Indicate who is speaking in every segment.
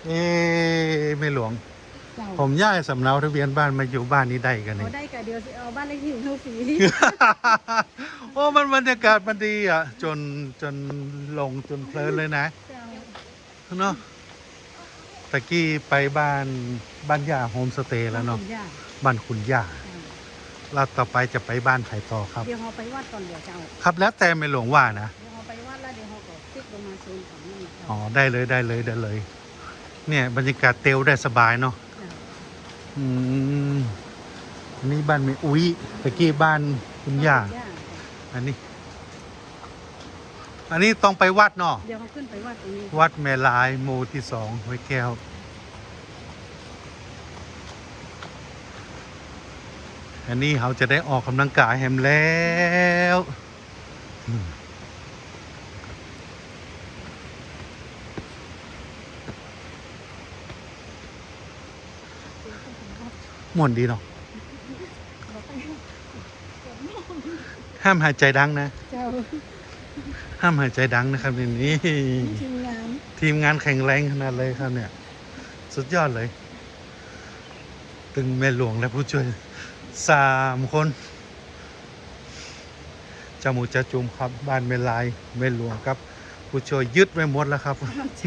Speaker 1: เอ๊ไม่หลวงผมย้ายสำเนาทะเบียนบ้านมาอยู่บ้านนี้ได้กันนี่
Speaker 2: ได้กะเดียวเอาบ้านเลขที่ของเขาสี
Speaker 1: โอ้มันบรรยากาศมันดีอ่ะจนลงจนเพลินเลยนะเนาะตะกี้ไปบ้านย่าโฮมสเตย์แล้วเนาะบ้านคุณย่าเราต่อไปจะไปบ้านไผ่ต่อครับ
Speaker 2: เดี๋ยวเราไปวัดก่อนเดี๋ยวเจ้า
Speaker 1: ครับแล้วแต่ไม่หลวงว่านะ
Speaker 2: เดี๋ยวเราไปวัดแล้วเดี๋ยวเราก็ติ๊กลงมาโซนของนี่
Speaker 1: อ๋อได้เลยเนี่ยบรรยากาศเตียวได้สบายเนาะอันนี้บ้านแม่อุ้ยตะกี้บ้านคุณย่าอันนี้ต้องไปวัดเนาะ
Speaker 2: เดี๋ยวเขาขึ้นไปวัดตรงนี้
Speaker 1: วัดแม่ลายหมู่ที่2ห้วยแก้วอันนี้เขาจะได้ออกกำลังกายแฮมแล้วม่วนดีเนาะห้ามหายใจดังนะห้ามหายใจดังนะครับนี่ทีมงานแข็งแรงขนาดเลยครับเนี่ยสุดยอดเลยตึงแม่หลวงและผู้ช่วย3 คนจามูจะจุมครับบ้านแม่ลายแม่หลวงครับผู้ช่วยยึดไว้หมดแล้วครับ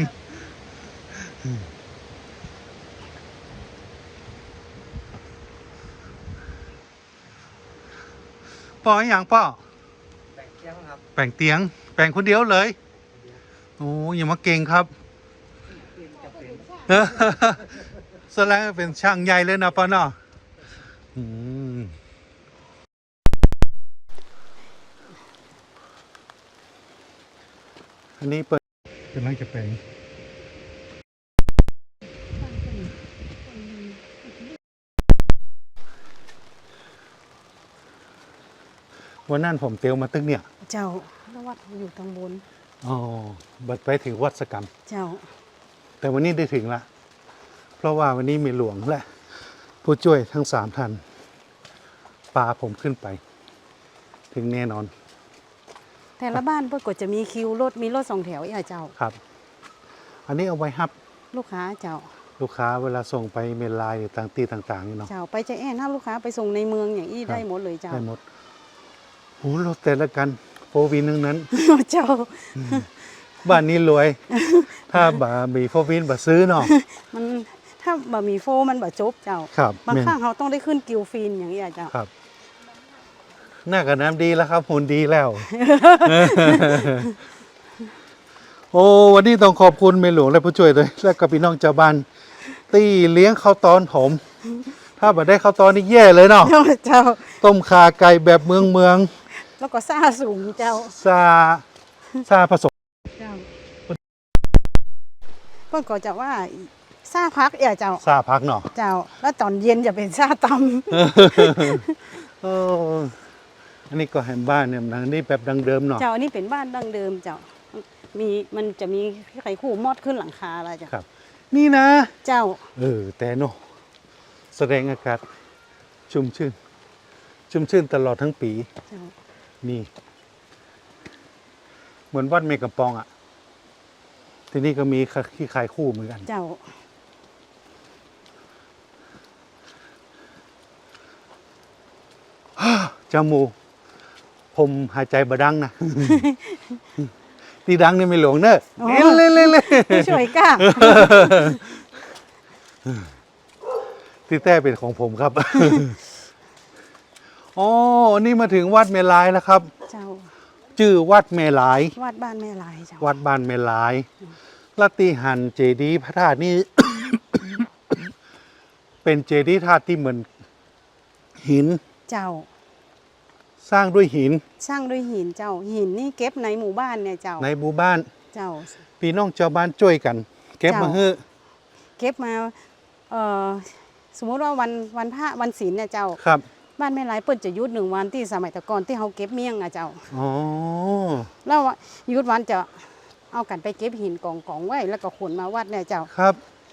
Speaker 1: ป่ออย่างป่อแป่งเตียงครับแป่งเตียงแป่งคนเดียวเลยโอ้ยอย่ามาเก่งครับแสดงเป็นช่างใหญ่เลยนะป่อเนาะอันนี้เปิดเป็นร่างจะแปลงวันนั้นผมเตียวมาตึกเนี่ย
Speaker 2: เจ้าแล้ววัดอยู่ตรงบน
Speaker 1: อ๋อบัดไปถึงวัดสกรรม
Speaker 2: เจ้า
Speaker 1: แต่วันนี้ได้ถึงละเพราะว่าวันนี้มีหลวงและผู้ช่วยทั้ง3 ท่านพาผมขึ้นไปถึงแน่นอน
Speaker 2: แต่ละบ้านเพื่อก็จะมีคิวรถมีรถ2 แถวอีกเจ้า
Speaker 1: ครับอันนี้เอาไว้ฮับ
Speaker 2: ลูกค้าเจ้า
Speaker 1: ลูกค้าเวลาส่งไปเมลไลน์หรือต่างๆนี่เนาะ
Speaker 2: เจ้าไปจะแอนถ้าลูกค้าไปส่งในเมืองอย่างนี้ได้หมดเลยเจ้า
Speaker 1: ได้หมดโอ้รถแต่ละกันโฟวินนึงนั้น
Speaker 2: เจ้า
Speaker 1: บ้านนี้รวยถ้าบะมีโฟวินบะซื้อเนาะ
Speaker 2: มันถ้าบะมีโฟมันบะจบเจ้าบางครั้งเขาต้องได้ขึ้นกิลฟินอย่างนี้เจ้า
Speaker 1: ครับหน้ากับน้ำดีแล้วครับหุ่นดีแล้วโอ้วันนี้ต้องขอบคุณเมหลวงและผู้ช่วยด้วยและกับพี่น้องชาวบ้านตีเลี้ยงข้าวตอนผมถ้าแบบได้ข้าวตอนนี่แย่เลยเนาะ
Speaker 2: เจ้า
Speaker 1: ต้มข่าไก่แบบเมือง
Speaker 2: แล้วก็ซ่าสูงเจ้า
Speaker 1: ซาผสม
Speaker 2: เจ้าเพิ่นก็จะว่าซาพักเจ้า
Speaker 1: ซาพักเนาะ
Speaker 2: เจ้าแล้วตอนเย็นจะเป็นซาต
Speaker 1: ำอันนี้ก็แฮมบ้านเนี่ยนี่แบบดังเดิมเนาะ
Speaker 2: เจ้าอันนี้เป็นบ้านดังเดิมเจ้ามันจะมีไข่คู่มอดขึ้นหลังคาอะไรเจ้า
Speaker 1: ครับนี่นะ
Speaker 2: เจ้า
Speaker 1: แต่เนาะแสดงอากาศชุ่มชื่นตลอดทั้งปีนี่เหมือนวัดเมกะปองอ่ะที่นี่ก็มีขี้ขายคู่เหมือนกัน
Speaker 2: เจ้า
Speaker 1: จมูกผมหายใจบดังนะตีดังนี่ไม่หลวงเนอะเล่
Speaker 2: ช่วยก้า
Speaker 1: ที่แต้เป็นของผมครับอ๋อนี่มาถึงวัดเมลายแล้วครับ
Speaker 2: เจ้า
Speaker 1: ชื่อวัดเมลาย
Speaker 2: วัดบ้านแม่ลายเจ้า
Speaker 1: วัดบ้านเมลายลัตติหันเจดีย์พระธาตุนี่ เป็นเจดีย์ธาตุที่เหมือนหิน
Speaker 2: เจ้า
Speaker 1: สร้างด้วยหิน
Speaker 2: เจ้าหินนี่เก็บในหมู่บ้านเนี่ยเจ้า
Speaker 1: ในหมู่บ้าน
Speaker 2: เจ้า
Speaker 1: พี่น้องชาวบ้านช่วยกันเก็บมา
Speaker 2: เก็บมาสมมติว่าวันพระวันศีลเนี่ยเจ้า
Speaker 1: ครับ
Speaker 2: บ้านแม่ลายเปิ้นจะยุด1 วันที่สมัยแต่ก่อนที่เขาเก็บเมี่ยงเจ้า
Speaker 1: อ๋อ
Speaker 2: แล้วยุดวันจะเอากันไปเก็บหินกองไว้แล้วก็ขนมาวัดเนี่ยเจ้า
Speaker 1: ครับ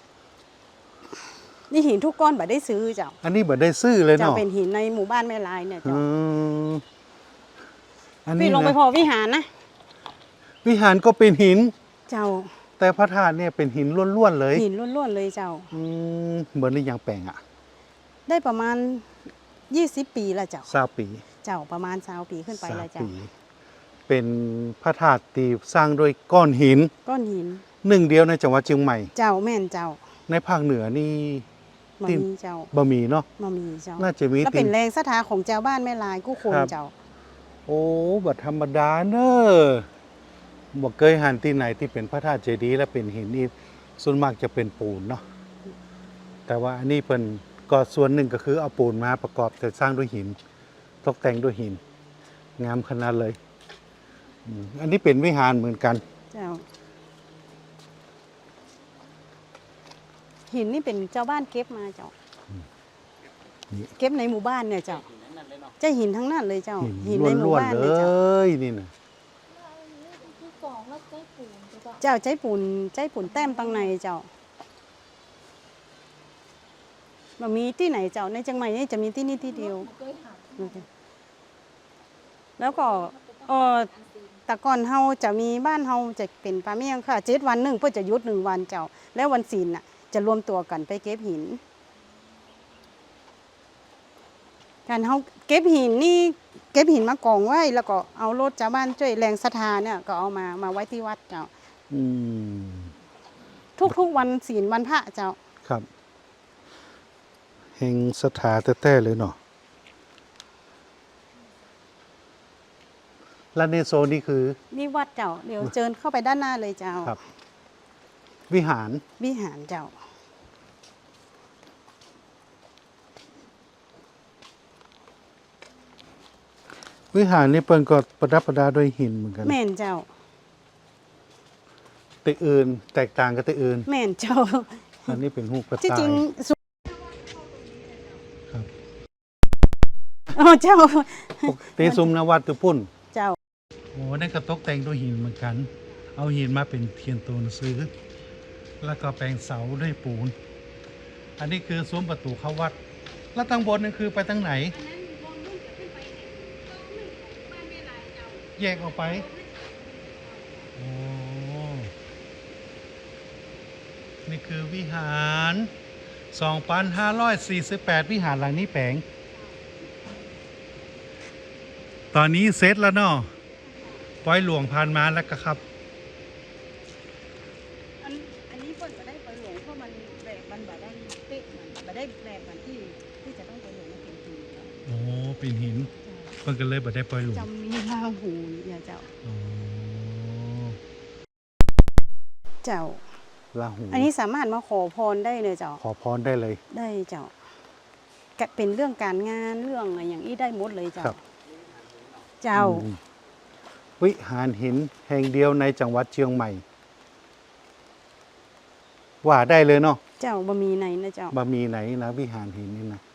Speaker 2: นี่หินทุกก้อนบ่ได้ซื้อเจ้า
Speaker 1: อันนี้บ่ได้ซื้อเลยเนาะ
Speaker 2: จะเป็นหินในหมู่บ้านแม่ลายเนี่ยเจ้า
Speaker 1: อันนี้
Speaker 2: พี่ลงไปพอวิหารนะ
Speaker 1: วิหารก็เป็นหิน
Speaker 2: เจ้า
Speaker 1: แต่พระธาตุเนี่ยเป็นหินล้วนๆเลย
Speaker 2: หินล้วนๆเลยเจ้า
Speaker 1: เหมือนในยางแปลงอ่ะ
Speaker 2: ได้ประมาณ20 ปีแล้วเจ้า
Speaker 1: 20 ปี
Speaker 2: เจ้าประมาณ20 ปีขึ้นไปแล้ว
Speaker 1: 20
Speaker 2: เจ้า
Speaker 1: ปี เป็นพระธาตุที่สร้างด้วยก้อนหิน
Speaker 2: ก้อนหิน
Speaker 1: หนึ่งเดียวในจังหวัดเชียงใหม่
Speaker 2: เจ้าแม่นเจ้า
Speaker 1: ในภาคเหนือนี่
Speaker 2: มา
Speaker 1: ที่
Speaker 2: มีเจ้า
Speaker 1: บะหมี่เนาะ
Speaker 2: มามีเจ้า
Speaker 1: น่าจะมี
Speaker 2: แล้ว
Speaker 1: ติ
Speaker 2: เป็นแรงศรัทธาของเจ้าบ้านแม่ลายกู้คน
Speaker 1: ครับ
Speaker 2: เจ้า
Speaker 1: โอ้บัดธรรมดาเนอะบ่เคยหันที่ไหนที่เป็นพระธาตุเจดีย์และเป็นหินนี่ส่วนมากจะเป็นปูนเนาะแต่ว่าอันนี้เพิ่นก็ส่วนหนึ่งก็คือเอาปูนมาประกอบแต่สร้างด้วยหิน ตกแต่งด้วยหิน งามขนาดเลยอันนี้เป็นวิหารเหมือนกัน
Speaker 2: เจ้า หินนี่เป็นเจ้าบ้านเก็บมาเจ้า
Speaker 1: นี่
Speaker 2: เก็บในหมู่บ้านเนี่ยเจ้าเจ้าหินทั้งนั้นเลยเจ้า
Speaker 1: หิน
Speaker 2: ในหมู่
Speaker 1: ล้วน
Speaker 2: บ้าน
Speaker 1: ๆเล
Speaker 2: เลยเจ้า
Speaker 1: ยนี่นะ
Speaker 3: คือกล่องแล้วใช้ปูนถูกป่ะ
Speaker 2: เจ้าใจปุ่นแต้มตังในเจ้าบ่มีที่ไหนเจ้าในเชียงใหม่นี่จะมีที่นี่ที่เดียว
Speaker 3: เคยหัน
Speaker 2: แล้วก็แต่ก่อนเฮาจะมีบ้านเฮาจะเป็นปลาเมี่ยงค่ะ7 วันหนึ่งเพื่อจะหยุด1 วันเจ้า แล้ววันศีลน่ะจะรวมตัวกันไปเก็บหินการเฮาเก็บหินนี่เก็บหินมากองไว้แล้วก็เอารถชาวบ้านช่วยแรงศรัทธาเนี่ยก็เอามาไว้ที่วัดเจ้า
Speaker 1: อืม
Speaker 2: ทุกๆวันศีลวันพระเจ้า
Speaker 1: ครับเฮงสถาแท้ๆเลยเนาะและในโซนนี้คือ
Speaker 2: นี่วัดเจ้าเดี๋ยวเชิญเข้าไปด้านหน้าเลยเจ้า
Speaker 1: ครับ วิหาร
Speaker 2: วิหารเจ้า
Speaker 1: วิหารนี่เปิ้นก็ประดับประดาด้วยหินเหมือนกัน
Speaker 2: แม่นเจ้า
Speaker 1: แต่อื่นแตกต่างกับแต่อื่น
Speaker 2: แม่นเจ้า
Speaker 1: อันนี้เป็นหูกระ
Speaker 2: ที่
Speaker 1: ต่า
Speaker 2: จริ
Speaker 1: ย
Speaker 2: ง
Speaker 1: ครับ
Speaker 2: อ๋อเจ้า
Speaker 1: ตีซุมนวัดตุพุ่น
Speaker 2: เจ้า
Speaker 1: โอ้นั่นก็ตกแต่งด้วยหินเหมือนกัน เอาหินมาเป็นเทียนตัวหนังสือ แล้วก็แปลงเสาด้วยปูน อันนี้คือซุ้มประตูเข้าวัด แล้วทางบนนั่นคือไปทางไหน แยกออกไป โอ้ นี่คือวิหาร 2,548 วิหารหลังนี้แปลง ตอนนี้เสร็จแล้วเนาะปล่อยหลวงผ่านมาแล้วก็ครับ
Speaker 2: อันนี้เพิ่นจะได้ไปหลวงเพราะมันแบบมันบ่ได้เป๊ะมันบ่ได้แบบมันที่จะต้องไปหลวงมันเป็นจริงเจ้า
Speaker 1: โอ้ เป็นหิน เพิ่นก็เลยบ่ได้ปล่อยหลวง
Speaker 2: จำมีลาหูอย่าเจ้า
Speaker 1: อ๋อ
Speaker 2: เจ้า
Speaker 1: ลาหู
Speaker 2: อันนี้สามารถมาขอพรได้เลยเจ้า
Speaker 1: ขอพรได้เลย
Speaker 2: ได้เจ้าก็เป็นเรื่องการงานเรื่องอะไรอย่างนี้ได้หมดเลยเจ้า
Speaker 1: ครับ
Speaker 2: เจ้า
Speaker 1: อืมวิหารหินแห่งเดียวในจังหวัดเชียงใหม่ ว่าได้เลยเนาะ
Speaker 2: เจ้าบะมีในนะเจ้า
Speaker 1: บะมีไหนนะวิหารหินนี่นะ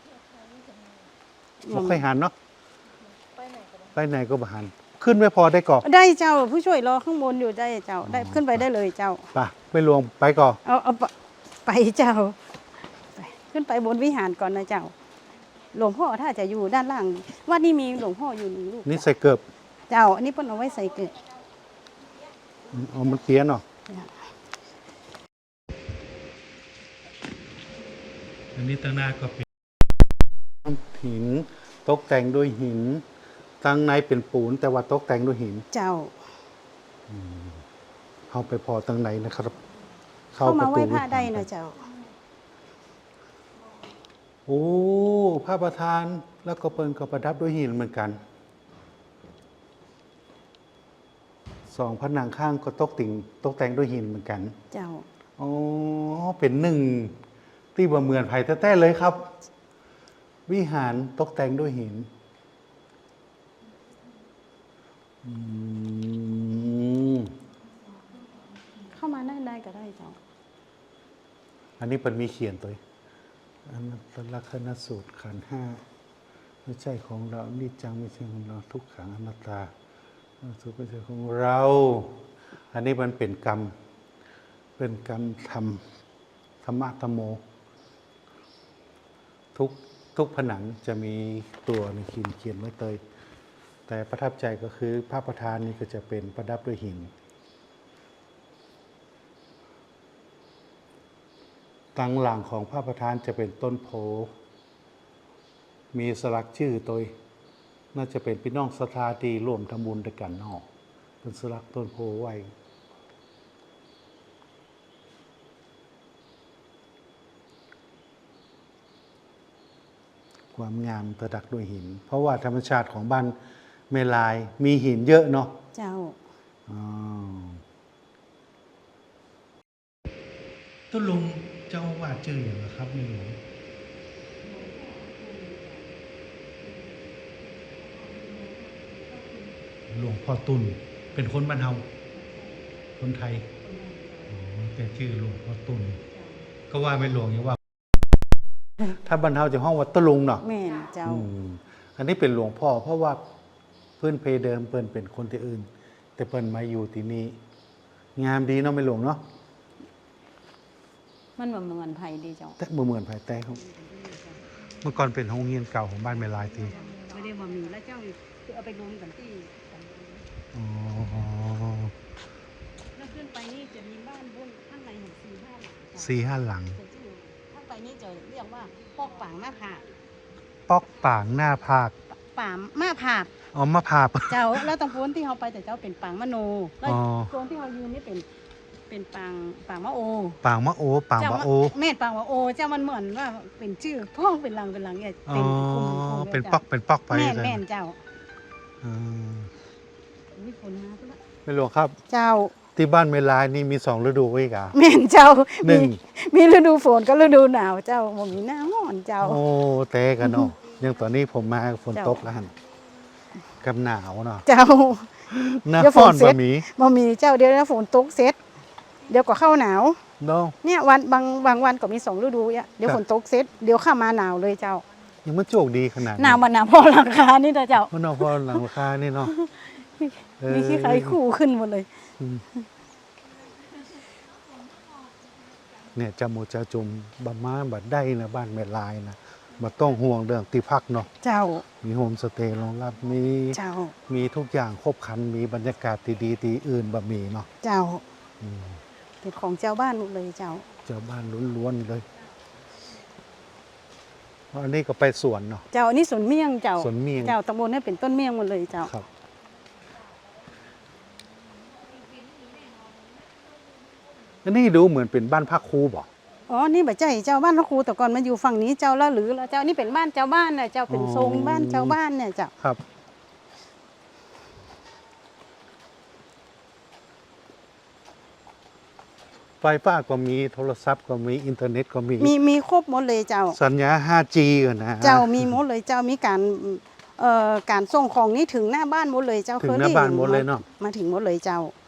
Speaker 1: บ่ค่อยหันเนาะ
Speaker 3: ไปไหนกันบ้าง
Speaker 1: ไปไหนก็บ่หัน ขึ้นไม่พอได้ก่อ
Speaker 2: ได้เจ้าผู้ช่วยรอข้างบนอยู่ได้เจ้า ได้ขึ้นไปได้เลยเจ้า
Speaker 1: ไปไม่ลวงไปก่อ
Speaker 2: เอาไปเจ้าไปขึ้นไปบนวิหารก่อนนะเจ้า หลวงพ่อถ้าจะอยู่ด้านล่างวัดนี้มีหลวงพ่ออยู่1 ลูก
Speaker 1: นี่ใส่เกือบ
Speaker 2: เจ้า อันนี้เพิ่นเอาไว้ใส่เกลือ
Speaker 1: เอามันเปียเนาะ อันนี้ตั้งหน้าก็เป็นหิน ตกแต่งด้วยหินข้างในเป็นปูน แต่ว่าตกแต่งด้วยหิน
Speaker 2: เจ้า
Speaker 1: เข้าไปพอตั้งไหนนะครับ
Speaker 2: เข้ามาไหว้พระได้นะเจ้า
Speaker 1: โอ้พระประธานแล้วก็เปิ้นก็ประดับด้วยหินเหมือนกันสองผนังข้างก็ตกแต่งด้วยหินเหมือนกัน
Speaker 2: เจ้า
Speaker 1: อ๋อเป็นหนึ่งที่บ่เหมือนไผ่แท้ๆเลยครับ วิหารตกแต่งด้วยหินอืม
Speaker 2: เข้ามาได้ก็ได้เจ้า
Speaker 1: อันนี้เป็นมีเขียนตัวอันนั้นลักษณะสูตรขันธ์ห้าไม่ใช่ของเรานี่จังไม่ใช่ของเราทุกขังอนัตตาสุขไม่ใช่ของเรา อันนี้มันเป็นกรรม เป็นกรรมธรรมะธรรมโม ทุกผนังจะมีตัวในเขียนไว้เตย แต่ประทับใจก็คือพระประธานนี่ก็จะเป็นประดับด้วยหินกลางหลังของพระประธานจะเป็นต้นโพมีสลักชื่อตัวน่าจะเป็นพี่น้องศรัทธาที่ร่วมทำบุญด้วยกันเนาะเป็นสลักต้นโพไว้ความงามประดักด้วยหิน เพราะว่าธรรมชาติของบ้านเมลายมีหินเยอะเนาะ
Speaker 2: เจ้า
Speaker 1: ต้นลุงเจ้าว่าชื่ออย่างไรครับในหลวงหลวงพ่อตุลเป็นคนบ้านเฮาคนไทยอ๋อแต่ชื่อหลวงพ่อตุลก็ว่าไม่หลวงอย่างว่า ถ้าบ้านเฮาจะห้องวัดตะลุงเนาะ
Speaker 2: แม่นเจ้า
Speaker 1: อันนี้เป็นหลวงพ่อเพราะว่าเพื่อนเพเดิมเปิ้นเป็นคนที่อื่น แต่เปิ้นมาอยู่ที่นี่งามดีเนาะไม่หลวงเนาะ
Speaker 2: มันบ่เหมือนไผดีเจ้า
Speaker 1: แต่เหมือนภายใต้เขาเมื่อก่อนเป็นโรงเรียนเก่าของบ้านแม่ลายที
Speaker 2: ไม่ได้บ่มีแล้วเจ้าคือเอาไปรวมกันที่
Speaker 1: อ๋อ
Speaker 2: แล้วขึ้นไปนี่จะมีบ้านบนข้างในถึง
Speaker 1: 4-5 ห
Speaker 2: 4-5 หลัง
Speaker 1: ลัง
Speaker 2: ข้างไปนี่จะเรียกว่าปอกปางหน้าผาก
Speaker 1: ปอกป่างหน้าภาค
Speaker 2: ปามมาผาก
Speaker 1: อ๋อมะพร้าว
Speaker 2: เจ้าแล้วตรงโพ้นที่เขาไปแต่เจ้าเป็นปางมะโนแล้ว
Speaker 1: อ๋อ
Speaker 2: โซนที่เขายืนนี่เป็นปางมะโอ
Speaker 1: ป่างมะโอป่าง
Speaker 2: เจ้
Speaker 1: มะโอ
Speaker 2: แม่นปางมะโอเจ้ามันเหมือนว่าเป็นชื่อพ่อเป็นหลังเนี่ย
Speaker 1: อ๋อ
Speaker 2: เป็นกลุ่ม
Speaker 1: เป็น
Speaker 2: จ้า
Speaker 1: ปอกเป็นปอกไป
Speaker 2: แม่น
Speaker 1: เลย
Speaker 2: แม่นเจ้า
Speaker 1: อืม
Speaker 2: อุ๊ยฝนมาซะละ
Speaker 1: ไม่หลวงครับ
Speaker 2: เจ้า
Speaker 1: ที่บ้านแม่ลายนี่มี2 ฤดูไว้กะ
Speaker 2: แม่นเจ้า
Speaker 1: หนึ่ง
Speaker 2: มีฤดูฝนกับฤดูหนาวเจ้าบ่มีหน้าร้อนเจ้า
Speaker 1: โอ้เตะกันเนาะยังตอนนี้ผมมาฝน
Speaker 2: เจ้า
Speaker 1: ตกแล้วหั่นกับหนาวเนาะ
Speaker 2: เจ้า
Speaker 1: หน้า
Speaker 2: เดี๋ยว
Speaker 1: ฟ้อน
Speaker 2: ฝนเสร็
Speaker 1: บะ
Speaker 2: จ
Speaker 1: หมี่
Speaker 2: บ่มีเจ้าเดี๋ยวนะฝนตกเสร็จเดี๋ยวก็เข้าหนาว
Speaker 1: เนาะ
Speaker 2: เนี่ยวันบางวันก็มี2ฤดูเนี่ยเดี๋ยว
Speaker 1: ครับ
Speaker 2: ฝนตกเสร็จเดี๋ยวเข้ามาหนาวเลยเจ้า
Speaker 1: ยังมันโชคดีขนาด
Speaker 2: หนาวมันหนาวพอราคานี่นะเจ้า
Speaker 1: เพราะเนาะพอหลังราคานี่เนาะ
Speaker 2: มีขี้ไข่คู่ขึ้นหมดเลย
Speaker 1: อืมเนี่ยจามูจะจุมบะมาบัดได้นะบ้านแม่ลายนะบ่ต้องห่วงเรื่องที่พักเนาะ
Speaker 2: เจ้า
Speaker 1: มีโฮมสเตย์รองรับมี
Speaker 2: เจ้า
Speaker 1: มีทุกอย่างครบครันมีบรรยากาศดีๆที่อื่นบะมีเนาะ
Speaker 2: เจ้า
Speaker 1: อืม
Speaker 2: เป็นของเจ้าบ้านหมดเลยเจ้า
Speaker 1: เจ้าบ้านล้วนๆเลยเพราะอันนี้ก็ไปสวนเนาะ
Speaker 2: เจ้าอันนี้สวนเมี่ยงเจ้า
Speaker 1: สวนเมี่ยง
Speaker 2: เจ้าตำบลนี่เป็นต้นเมี่ยงหมดเลยเจ้า
Speaker 1: ครับอันนี้ดูเหมือนเป็นบ้านพักครูบ่
Speaker 2: อ๋อนี่บ่ใจเจ้าบ้านพระครูแต่ก่อนมาอยู่ฝั่งนี้เจ้าละหรือละเจ้านี่เป็นบ้านเจ้าบ้านน่ะเจ้าเป็นทรงบ้านเจ้าบ้านเนี่ยเจ้า
Speaker 1: ครับ ไฟฟ้าก็มีโทรศัพท์ก็มีอินเทอร์เน็ตก็มี
Speaker 2: มีครบหมดเลยเจ้า
Speaker 1: สัญญา 5G กันนะ
Speaker 2: เจ้ามีหมดเลยเจ้ามีการส่งของนี่ถึงหน้าบ้านหมดเลยเจ้า
Speaker 1: ถึงหน้าบ้านหมดเลยเนาะ
Speaker 2: มาถึงหมดเลยเจ้า